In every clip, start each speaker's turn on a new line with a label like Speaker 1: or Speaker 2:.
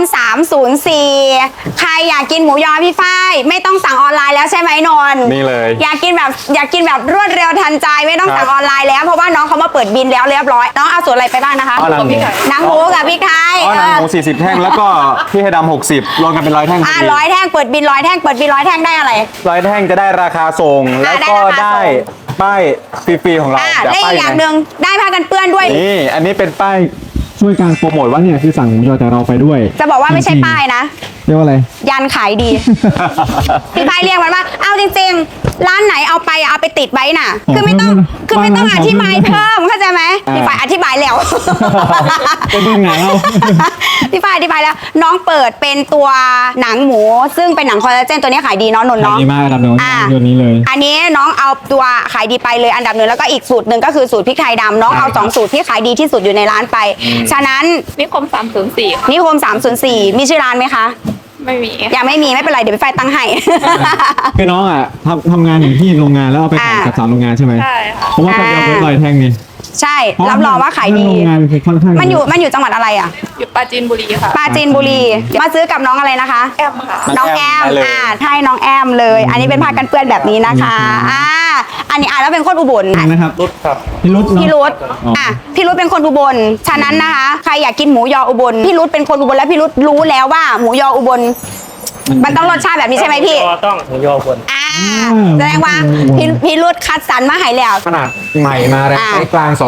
Speaker 1: 304ใครอยากกินหมูยอพี่ฝ้ายไม่ต้องสั่งออนไลน์แล้วใช่ไหมนนท์
Speaker 2: นี่เลย
Speaker 1: อยากกินแบบรวดเร็วทันใจไม่ต้องสั่งออนไลน์แล้วเพราะว่าน้องเขามาเปิดบินแล้วเรียบร้อยน้องเอาส่วนอะไรไปบ้างนะคะหนังหมูกับพริกไทย
Speaker 2: หนังหมู40แท่งแล้วก็พี่ให้ดำ60รวมกันเป็น100แท่ง
Speaker 1: 100 แท่งเปิดบิน100 แท่งเปิดบิน100 แท่งได้อะไร
Speaker 2: 100แท่งจะได้ราคาส่งแล้วก็ได้ป้ายฟรีๆของเรา
Speaker 1: และอีกอย่างหนึ่งได้ผ้ากันเปื้อนด้วย
Speaker 2: นี่อันนี้เป็นป้ายช่วยการโปรโมทว่าเนี่ยคือสั่งหมูยอจากเราไปด้วย
Speaker 1: จะบอกว่าไม่ใช่ป้ายนะ
Speaker 2: เรียกว่าอะไร
Speaker 1: ยันขายดีพี่ฝ้ายเรียกมันว่าเอาจริงๆร้านไหนเอาไปติดไว้น่ะคือไม่ต้องอธิบายเพิ่มเข้าใจไหมพี่ฝ้ายอธิบายแล้ว
Speaker 2: เป็นยังไง
Speaker 1: พี่ฝ้ายอธิบายแล้วน้องเปิดเป็นตัวหนังหมูซึ่งเป็นหนังคอลลาเจนตัวนี้ขายดีเนาะนนท์เนาะ
Speaker 2: ดีมากครับน้องตัวนี้เลย
Speaker 1: อันนี้น้องเอาตัวขายดีไปเลยอันดับหนึ่งแล้วก็อีกสูตรหนึ่งก็คือสูตรพริกไทยดำน้องเอา2สูตรที่ขายดีที่สุดอยู่ในร้านไปฉะนั้น
Speaker 3: นิคม304
Speaker 1: นิคม304มีชื่อร้านไหมคะ
Speaker 3: ไม่มี
Speaker 1: ยังไม่มีไม่เป็นไรเดี๋ยวพี่ฝ้ายตั้งให้
Speaker 2: คือน้องอ่ะทำงานอยู่ที่โรงงานแล้วเอาไปขายกับ3โรงงานใช่ไหม
Speaker 3: ใช่ค่ะ
Speaker 2: เพราะว่าคนเดียวเป็น100แท่งนี่
Speaker 1: ใช่รับรองว่าขายดี
Speaker 2: โรงงานคือค่อนข้าง
Speaker 1: มันอยู่จังหวัดอะไรอ่ะ
Speaker 3: อยู่ปราจีนบุรีค่ะ
Speaker 1: ปราจีนบุรีมาซื้อกับน้องอะไรนะคะ
Speaker 3: แอมค่ะ
Speaker 1: น้องแอมใช่น้องแอมเลยอันนี้เป็นผ้ากันเปื้อนแบบนี้นะคะอันนี้แล้วเป็นคนอุบล
Speaker 2: นะครับรุดครับพี่รุด
Speaker 1: พี่รุดเป็นคนอุบลฉะนั้นนะคะใครอยากกินหมูยออุบลพี่รุดเป็นคนอุบลแล้วพี่รุดรู้แล้วว่าหมูยออุบลมันต้องรสชาติแบบนี้ใช่ไหมพี่
Speaker 4: ต้องหมูยออุบล
Speaker 1: แสดงว่าพี่รุดคัดสรรมาให้แล้ว
Speaker 2: ขนาดใหม่มาแล้วไซส์กลาง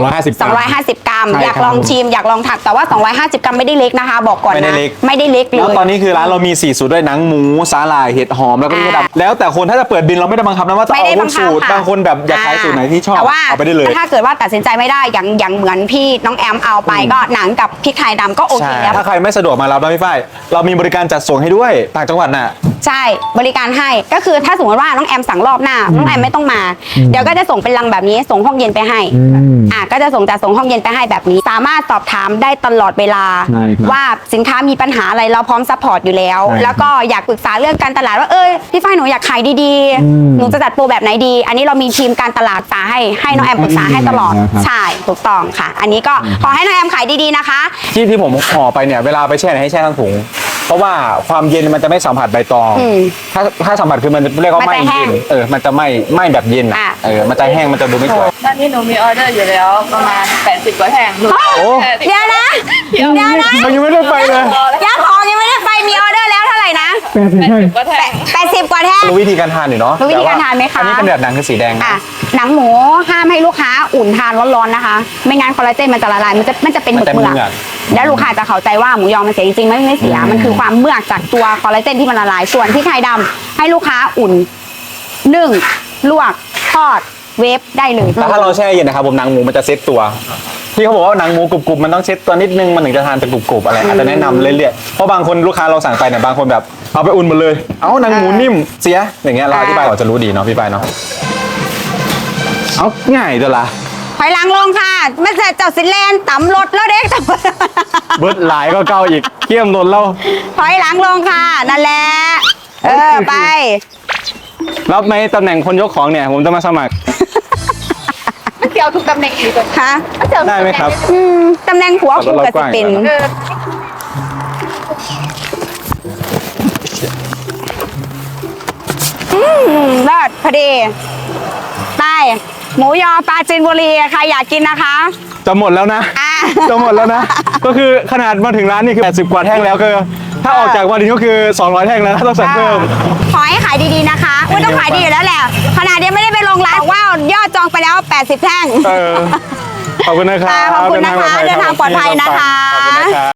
Speaker 2: 250
Speaker 1: กรัมอยากลองชิมอยากลองถักแต่ว่า250 กรัมไม่ได้เล็กนะคะบอกก่อนนะไม่ได้เล็กเลย
Speaker 2: แล้วตอนนี้คือร้านเรามี4สูตรด้วยหนังหมูสาหร่ายเห็ดหอมแล้วก็พริกไทยดำแล้วแต่คนถ้าจะเปิดบินเราไม่ได้บังคับนะว่าต้องเอาทุกสูตรบางคนแบบอยากขายสูตรไหนที่ชอบเอาไปได้เลย
Speaker 1: ถ้าเกิดว่าตัดสินใจไม่ได้อย่างเหมือนพี่น้องแอมเอาไปก็หนังกับพริกไทยดำก็โอเคแล้ว
Speaker 2: ถ้าใครไม่สะดวกมารับนะพี่ฝ้ายเรามีบริการจัดส่งให้ด้วยต่างจังหวัดน่ะ
Speaker 1: ใช่บริการให้ก็คือถ้าสมมติว่าน้องแอมสั่งรอบหน้าน้องแอมไม่ต้องมาเดี๋ยวก็จะส่งเป็นลังแบบนี้ส่งห้องเย็นไปให้ก็จะส่งห้องเย็นไปให้แบบนี้สามารถสอบถามได้ตลอดเวลาว่าสินค้ามีปัญหาอะไรเราพร้อมซัพพอร์ตอยู่แล้วแล้วก็อยากปรึกษาเรื่องการตลาดว่าพี่ฝ้ายหนูอยากขายดีๆหนูจะจัดโปรแบบไหนดีอันนี้เรามีทีมการตลาดปรึกษาให้น้องแอมปรึกษาให้ตลอดใช่ถูกต้องค่ะอันนี้ก็ขอให้น้องแอมขายดีๆนะคะ
Speaker 2: ที่ผมห่อไปเนี่ยเวลาไปแช่ให้แช่ทั้งถุงเพราะว่าความเย็นมันจะไม่สัมผัสใบตองถ้าสัมผัสคือมันเรียกว่าไม่เย็นมันจะไม่แบบเย็นมันจะแห้งมันจะดูไม่สวย
Speaker 3: ตอนนี้หนูมีออเดอร์อยู่แล้วประมาณ80 กว่าแท่ง
Speaker 1: เดี๋ยวนะ
Speaker 2: มันยังไม่ได้ไปเลย
Speaker 1: ยังของยังไม่ได้ไปมีออเดอร์แล้วเท่าไหร่นะ
Speaker 3: 80 กว่าแท่ง
Speaker 1: 80 กว่าแท่ง
Speaker 2: รู้วิธีการทานอยู่เนาะ
Speaker 1: รู้วิธีการทานไหมคะ
Speaker 2: อันนี้เป็นแบบหนังคือสีแดง
Speaker 1: หนังหมูห้ามให้ลูกค้าอุ่นทานร้อนๆนะคะไม่งั้นคอลลาเจนมันจะละลายมันจะเป็นหมึกแล้วลูกค้าจะเข้าใจว่าหมูยอมันเสียจริงๆไม่เสียมันคือความเมือกจากตัวคอลลาเจนที่มันละลายส่วนที่ไข่ดำให้ลูกค้าอุ่นนึ่งลวกทอดเวฟได้เลย
Speaker 2: แต่ถ้าเราแช่เย็นนะครับผมหนังหมูมันจะเซ็ตตัวที่เขาบอกว่าหนังหมูกรุบๆมันต้องเซ็ตตัวนิดนึงมันถึงจะทานเป็นกรุบๆอะไรอาจจะแนะนำเรื่อยๆเพราะบางคนลูกค้าเราสั่งไปเนี่ยบางคนแบบเอาไปอุ่นหมดเลยเอาหนังหมูนิ่มเสียอย่างเงี้ยเราอธิบายก่อนจะรู้ดีเนาะพี่ปายเนาะเอาง่ายตัวละ
Speaker 1: ถอยหลังลงค่ะไม่ใช่เจ้าสิแลนต่ำรถแล้วเด็ก
Speaker 2: เบิร์ดหลายก็เก่าอีกเขี้ยมโดนเรา
Speaker 1: ถอยหลังลงค่ะนั่นแหละไป
Speaker 2: รับไหมตำแหน่งคนยกของเนี่ยผมจะมาสมัคร
Speaker 3: ไม่เกี่ยวทุกตำแหน่งอีกเลย
Speaker 1: ฮะ
Speaker 2: ได้ไหมครับ
Speaker 1: ตำแหน่งหัวคู่กับจะเป็นเลิศพอดีไปหมูยอปราจีนบุรีใครอยากกินนะคะ
Speaker 2: จะหมดแล้วนะจะหมดแล้วนะก็คือขนาดมาถึงร้านนี่คือ80 กว่าแท่งแล้วก็ถ้าออกจากวันนี้ก็คือ200 แท่งแล้วต้องสั่งเพิ่ม
Speaker 1: ขอให้ขายดีๆนะคะไม่ต้องขายดีอยู่แล้วแหละขนาดยังไม่ได้ไปลงร้านว่ายอดจองไปแล้ว80 แท่ง
Speaker 2: ขอบคุณนะครับ
Speaker 1: ขอบคุณนะคะเดินทางปลอดภัยนะคะ